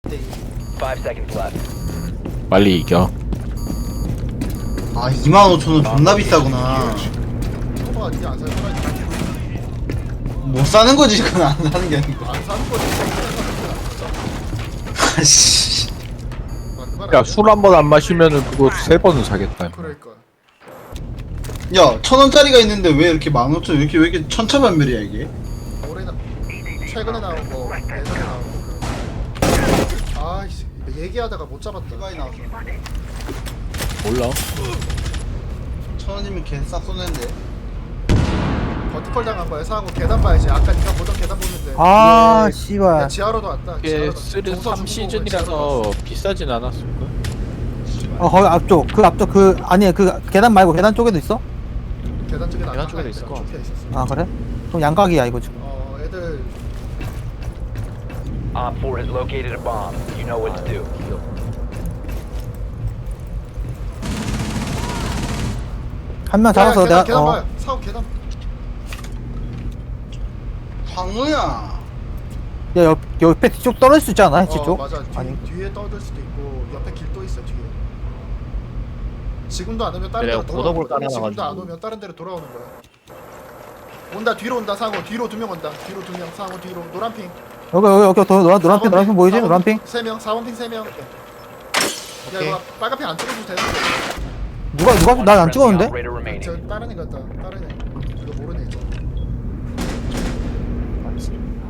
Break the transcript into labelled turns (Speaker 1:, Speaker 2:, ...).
Speaker 1: 5 seconds left.
Speaker 2: 빨리 이겨.
Speaker 3: 아 25,000원 존나 비싸구나.
Speaker 4: 소바가 니가 안 사는 거야.
Speaker 3: 못 사는 거지 그건 안 사는 게 아니고.
Speaker 4: 안 사는 거지.
Speaker 3: 아씨.
Speaker 2: 야, 술 한 번 안 마시면은 그거 3번은 사겠다.
Speaker 4: 그러니까.
Speaker 3: 야 1,000원짜리가 있는데 왜 이렇게 15,000원 왜 이렇게 천차만별이야 이게?
Speaker 4: 올해는 최근에 나온 거, 예전에 나온 거. 아이씨, 얘기하다가 못 잡았다.
Speaker 3: 많이 나왔어.
Speaker 2: 몰라.
Speaker 3: 1,000원이면 개싹 쏘는데.
Speaker 4: 버티컬 당한 거야. 사고 계단 봐야지. 아까 네가 보던 계단 보는데.
Speaker 5: 아
Speaker 4: 야,
Speaker 5: 씨발
Speaker 4: 지하로도 왔다.
Speaker 2: 이게
Speaker 4: 지하로도.
Speaker 2: 쓰리
Speaker 4: 동서
Speaker 2: 3
Speaker 4: 중공을
Speaker 2: 시즌이라서 비싸진 않았을까?
Speaker 5: 거기 앞쪽 아니 그 계단 말고 계단 쪽에도 있어?
Speaker 4: 계단 쪽에
Speaker 2: 계단 쪽에도 있을 거.
Speaker 4: 좁혀 있었어.
Speaker 5: 아 그래? 그럼 양각이야 이거 지금.
Speaker 4: 애들
Speaker 1: Op 4 has located a bomb. You know what to do.
Speaker 5: 한 명 잡아서
Speaker 4: 계단,
Speaker 5: 내가
Speaker 4: 계단 봐요. 사고 계단.
Speaker 3: 황우야.
Speaker 5: 야 옆에 뒤쪽 떨어질 수 있지 않아? 해치 쪽?
Speaker 4: 맞아.
Speaker 5: 아니
Speaker 4: 뒤에 떠들 수도 있고 옆에 길도 있어 뒤에. 지금도 안 오면 다른
Speaker 2: 내가
Speaker 4: 데로
Speaker 2: 보더볼
Speaker 4: 돌아오는 거야. 지금도
Speaker 2: 깔아놔가지고.
Speaker 4: 안 오면 다른 데로 돌아오는 거야. 온다 뒤로 온다 사고 뒤로 2명 온다. 뒤로 2명 사고 뒤로 노란핑.
Speaker 5: 여기 노란핑 보이지? 노란핑?
Speaker 4: 3명 4번핑 3명. 야 이거 빨간핑 안 찍어도 돼.
Speaker 5: 누가 난 안
Speaker 1: Friendly
Speaker 5: 찍었는데?
Speaker 1: operator remaining.
Speaker 4: 저 다른 애 같다. 다른 애. 이거 모르네.